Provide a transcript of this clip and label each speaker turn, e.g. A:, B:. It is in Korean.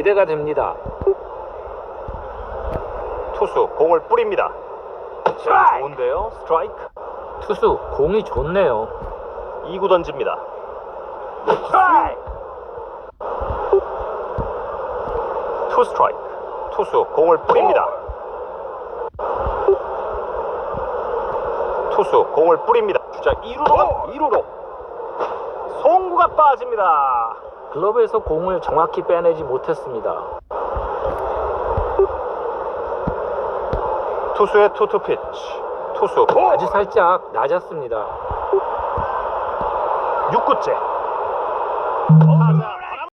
A: 기대가 됩니다.
B: 투수 공을 뿌립니다. 좋은데요. 스트라이크.
A: 투수 공이 좋네요.
B: 2구 던집니다. 투 스트라이크. 투수 공을 뿌립니다. 투수 공을 뿌립니다. 주자 2루로 송구가 빠집니다.
A: 글러브에서 공을 정확히 빼내지 못했습니다.
B: 투수의 투투 피치. 투수
A: 아주 살짝 낮았습니다.
B: 6구째